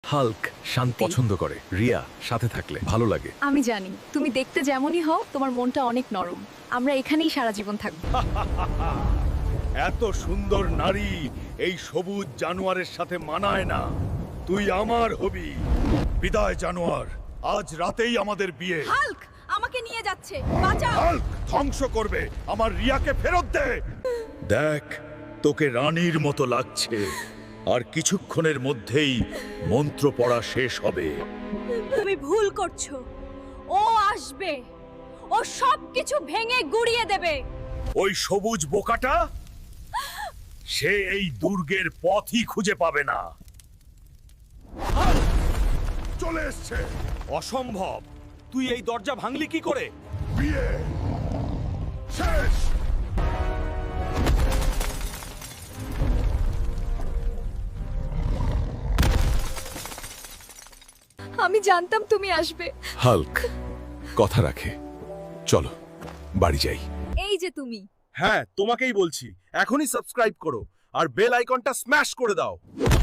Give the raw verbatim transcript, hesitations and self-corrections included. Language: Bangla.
হাল্ক শান্তি পছন্দ করে, রিয়া সাথে থাকলে ভালো লাগে। আমি জানি তুমি দেখতে যেমনই হও তোমার মনটা অনেক নরম। আমরা এখানেই সারা জীবন থাকবো। এত সুন্দর নারী এই সবুজ জানোয়ারের সাথে মানায় না। তুই আমার হবি। বিদায় জানোয়ার, আজ রাতেই আমাদের বিয়ে। হাল্ক আমাকে নিয়ে যাচ্ছে, বাঁচাও। হাল্ক ধ্বংস করবে আমার রিয়াকে, ফেরত দে। দেখ, তোকে রানীর মতো লাগছে, আর কিছুক্ষণের মধ্যেই মন্ত্র পড়া শেষ হবে। তুমি ভুল করছো। ও আসবে, ও সব কিছু ভেঙে গুড়িয়ে দেবে। ওই সবুজ বোকাটা, সে এই দুর্গের পথই খুঁজে পাবে না। চলে এসছে। অসম্ভব, তুই এই দরজা ভাঙলি কি করে? বিয়ে শেষ। আমি জানতাম তুমি আসবে। হাল্ক কথা রাখে, চলো বাড়ি যাই। এই যে তুমি। হ্যাঁ, তোমাকেই বলছি, এখনই সাবস্ক্রাইব করো আর বেল আইকনটা স্ম্যাশ করে দাও।